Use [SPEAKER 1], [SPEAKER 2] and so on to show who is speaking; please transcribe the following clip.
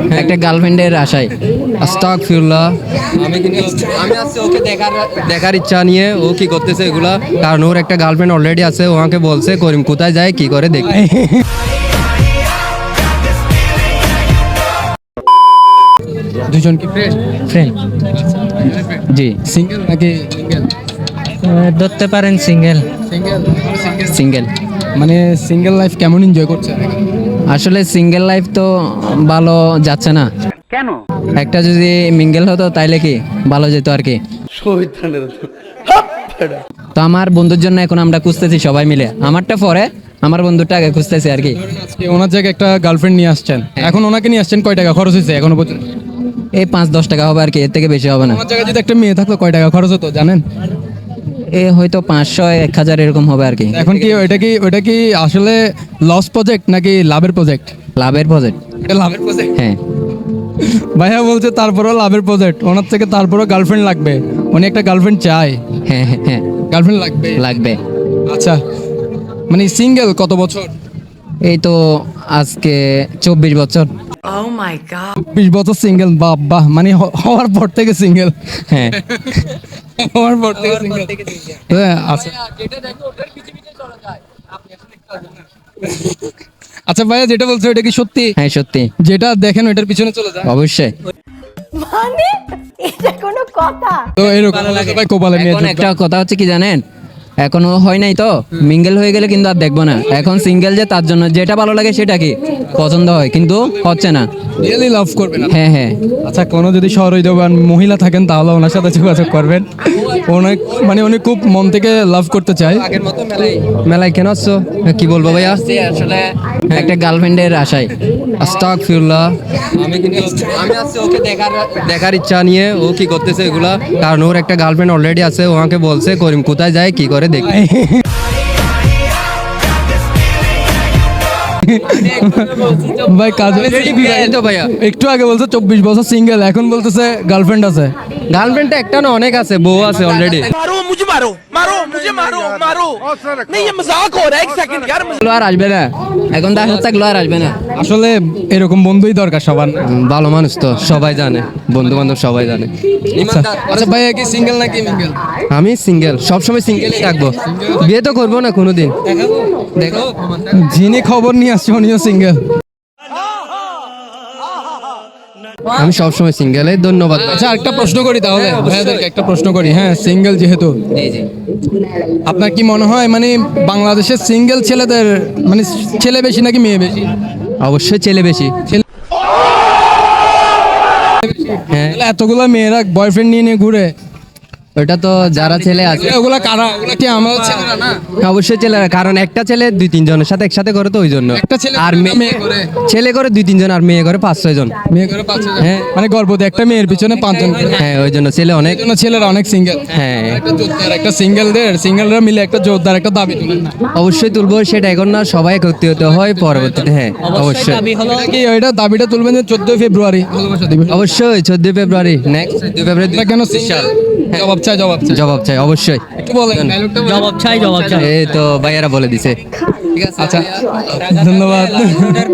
[SPEAKER 1] একটা গার্লফ্রেন্ডের আশায়।
[SPEAKER 2] আস্তাগফিরুল্লাহ। আমি আজকে ওকে দেখার ইচ্ছা নিয়ে ও কি করতেছে এগুলা, কারণ ওর একটা গার্লফ্রেন্ড অলরেডি আছে। ও আমাকে বলছে করিম কোথায় যায় কি করে দেখ।
[SPEAKER 3] দুজন কি ফ্রেন্ড?
[SPEAKER 1] ফ্রেন্ড জি।
[SPEAKER 3] সিঙ্গেল নাকি সিঙ্গেল?
[SPEAKER 1] ধরতে পারেন সিঙ্গেল।
[SPEAKER 3] Single
[SPEAKER 1] single.
[SPEAKER 3] মানে সিঙ্গেল লাইফ কেমন এনজয় করছে?
[SPEAKER 1] আসলে সিঙ্গেল লাইফ তো ভালো যাচ্ছে না। কেন? একটা যদি মিঙ্গেল হতো তাইলে কি ভালো যেত আর কি। তো আমার বন্ধুর জন্য এখন আমরা খুঁজতেছি সবাই মিলে। আমারটা পরে, আমার বন্ধুটা আগে খুঁজতেছি আর কি।
[SPEAKER 3] আজকে ওনার জায়গায় একটা গার্লফ্রেন্ড নিয়ে আসছেন, এখন ওনাকে নিয়ে আসছেন, কয় টাকা খরচ হয়েছে এখনো পর্যন্ত?
[SPEAKER 1] এই 5-10 টাকা হবে আর কি, এর থেকে বেশি হবে না।
[SPEAKER 3] ওনার জায়গায় যদি একটা মেয়ে থাকতো কয় টাকা খরচ হতো জানেন?
[SPEAKER 1] এ হয়তো 500-1000 এরকম হবে আর কি।
[SPEAKER 3] এখন কি ওইটা কি আসলে লস প্রজেক্ট নাকি লাভের প্রজেক্ট?
[SPEAKER 1] লাভের প্রজেক্ট।
[SPEAKER 3] এটা লাভের প্রজেক্ট।
[SPEAKER 1] হ্যাঁ
[SPEAKER 3] ভাইয়া বলছে তারপরও লাভের প্রজেক্ট, ওনার থেকে তারপরও গার্লফ্রেন্ড লাগবে, উনি একটা গার্লফ্রেন্ড চায়।
[SPEAKER 1] হ্যাঁ হ্যাঁ হ্যাঁ
[SPEAKER 3] গার্লফ্রেন্ড লাগবে
[SPEAKER 1] লাগবে।
[SPEAKER 3] আচ্ছা, মানে সিঙ্গেল কত বছর?
[SPEAKER 1] এই তো আজকে 24 বছর।
[SPEAKER 3] 20 বছর সিঙ্গেল, বাহ, মানে হওয়ার পর থেকে সিঙ্গেল।
[SPEAKER 1] হ্যাঁ
[SPEAKER 3] হওয়ার পর থেকে সিঙ্গেল। হ্যাঁ আচ্ছা। আচ্ছা ভাইয়া যেটা বলছো এটা কি সত্যি?
[SPEAKER 1] হ্যাঁ সত্যি।
[SPEAKER 3] যেটা দেখেন ওইটার পিছনে চলে যায়।
[SPEAKER 1] অবশ্যই।
[SPEAKER 4] মানে এটা কোনো কথা?
[SPEAKER 3] তো এরকম ভাই কপালে নিয়ে
[SPEAKER 1] এখন একটা কথা হচ্ছে কি জানেন, এখনো হয় নাই তো, মিঙ্গেল হয়ে গেলে কিন্তু আর দেখবো না। এখন সিঙ্গেল যে তার জন্য যেটা ভালো লাগে সেটা কি পছন্দ হয়, কিন্তু হচ্ছে না।
[SPEAKER 3] রিয়েলি লাভ করবেন?
[SPEAKER 1] হ্যাঁ হ্যাঁ।
[SPEAKER 3] আচ্ছা, কোনো যদি সহৃদয়বান মহিলা থাকেন তাহলে ওনার সাথে যোগাযোগ করবেন। অনেক মানে উনি খুব মন থেকে লাভ করতে চায়।
[SPEAKER 2] আগের মতো মেলায় কেন আসছো? কি বলবো ভাইয়া?
[SPEAKER 1] আসলে একটা গার্লফ্রেন্ডের আশায়।
[SPEAKER 2] আস্তাগফিরুল্লাহ। আমি আজকে ওকে দেখার ইচ্ছা নিয়ে ও কি করতেছে এগুলা, কারণ ওর একটা গার্লফ্রেন্ড অলরেডি আছে। ও আমাকে বলছে করিম কোথায় যায় কি করে দেখ।
[SPEAKER 3] ভাই কাজ
[SPEAKER 2] তো ভাইয়া
[SPEAKER 3] একটু আগে বলছে 24 বছর সিঙ্গেল, এখন বলতেছে গার্লফ্রেন্ড আছে।
[SPEAKER 2] গার্লফ্রেন্ডটা একটা না অনেক আছে, বউ আছে অলরেডি।
[SPEAKER 5] मारो मुझे मारो मारो मुझे मारो मारो नहीं ये मजाक हो रहा है एक सेकंड यार
[SPEAKER 1] আর আসবে না, এখন তার সাথে থাকলে আর আসবে না।
[SPEAKER 3] আসলে এরকম বন্ধুই দরকার সবার।
[SPEAKER 2] ভালো মানুষ তো সবাই জানে, বন্ধু বান্ধব সবাই জানে।
[SPEAKER 3] আচ্ছা ভাইয়া কি সিঙ্গেল নাকি মিঙ্গেল?
[SPEAKER 2] আমি সিঙ্গেল, সবসময় সিঙ্গেলই থাকবো। বিয়ে তো করবো না কোনোদিন। দেখো
[SPEAKER 3] যিনি খবর নিয়ে আসছে উনিও সিঙ্গেল।
[SPEAKER 2] আমি সবসময় সিঙ্গেল। ধন্যবাদ।
[SPEAKER 3] আচ্ছা একটা প্রশ্ন করি তাহলে ভাইয়াদেরকে, একটা প্রশ্ন করি। হ্যাঁ, সিঙ্গেল যেহেতু, আপনার কি মনে হয় মানে বাংলাদেশের সিঙ্গেল ছেলেদের মানে ছেলে বেশি নাকি মেয়ে বেশি?
[SPEAKER 2] অবশ্যই ছেলে বেশি।
[SPEAKER 3] হ্যাঁ, এতগুলা মেয়েরা বয়ফ্রেন্ড নিয়ে নিয়ে ঘুরে,
[SPEAKER 2] ওটা তো যারা ছেলে আছে
[SPEAKER 3] ওগুলা কারা? ওগুলা কি আমরা ছেলেরা না?
[SPEAKER 2] অবশ্যই ছেলেরা, কারণ একটা ছেলে 2-3 জনের সাথে একসাথে করে তো ওই জন্য।
[SPEAKER 3] একটা ছেলে
[SPEAKER 2] আর
[SPEAKER 3] মেয়ে করে,
[SPEAKER 2] ছেলে করে 2-3 জন আর মেয়ে করে 5-6 জন।
[SPEAKER 3] মেয়ে করে 5 জন।
[SPEAKER 2] হ্যাঁ।
[SPEAKER 3] মানে গর্ভবতী একটা মেয়ের পিছনে 5 জন।
[SPEAKER 2] হ্যাঁ ওই জন্য ছেলে অনেক।
[SPEAKER 3] এই জন্য ছেলেরা অনেক সিঙ্গেল।
[SPEAKER 2] হ্যাঁ
[SPEAKER 3] একটা জোরদার একটা সিঙ্গেলরা মিলে একটা জোরদার একটা দাবি তুলেন।
[SPEAKER 2] অবশ্যই তুলবো, সেটা এখন না, সবাই একত্রিত হয় পরবর্তীতে। হ্যাঁ অবশ্যই।
[SPEAKER 3] এটা কি ওইটা দাবিটা তুলবেন যে 14 ফেব্রুয়ারি ভালোবাসা দিবস?
[SPEAKER 2] অবশ্যই 14 ফেব্রুয়ারি, নেক্সট 14 ফেব্রুয়ারি।
[SPEAKER 3] এটা কেন সিঙ্গেল? জবাব চাই।
[SPEAKER 2] জবাব চাই অবশ্যই।
[SPEAKER 3] একটু বলেন ডায়লগটা।
[SPEAKER 1] জবাব চাই।
[SPEAKER 2] এই তো ভাইয়ারা বলে দিছে। ঠিক আছে
[SPEAKER 3] আচ্ছা ধন্যবাদ।